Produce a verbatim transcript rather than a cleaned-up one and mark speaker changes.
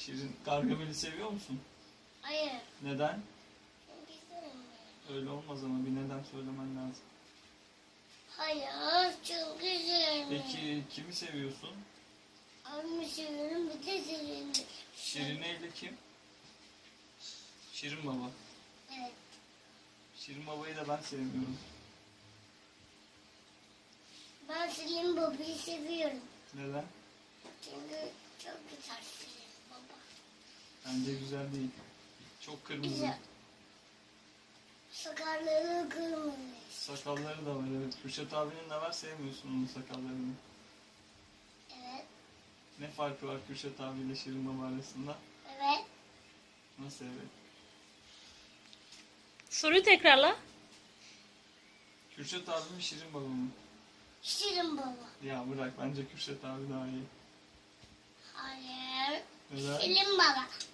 Speaker 1: Şirin, Gargamel'i seviyor musun?
Speaker 2: Hayır.
Speaker 1: Neden?
Speaker 2: Çünkü sevmiyorum.
Speaker 1: Öyle olmaz ama bir neden söylemen lazım.
Speaker 2: Hayır çünkü sevmiyorum.
Speaker 1: Peki kimi seviyorsun?
Speaker 2: Abimi seviyorum bir de Selin'i.
Speaker 1: Şirine ile kim? Şirin Baba.
Speaker 2: Evet.
Speaker 1: Şirin Baba'yı da ben sevmiyorum.
Speaker 2: Ben Selin Baba'yı seviyorum.
Speaker 1: Neden?
Speaker 2: Çünkü çok güzel Selin Baba.
Speaker 1: Bence güzel değil. Çok kırmızı.
Speaker 2: Güzel. Sakarları kırmızı.
Speaker 1: Sakalları da var, evet. Kürşat abinin de var, sevmiyorsun onun sakallarını.
Speaker 2: Evet.
Speaker 1: Ne farkı var Kürşat abiyle Şirin Baba arasında?
Speaker 2: Evet.
Speaker 1: Nasıl evet?
Speaker 3: Soruyu tekrarla.
Speaker 1: Kürşat abi mi Şirin Baba mı?
Speaker 2: Şirin Baba.
Speaker 1: Ya bırak, bence Kürşat abi daha iyi.
Speaker 2: Hayır.
Speaker 1: Neden?
Speaker 2: Selin Baba.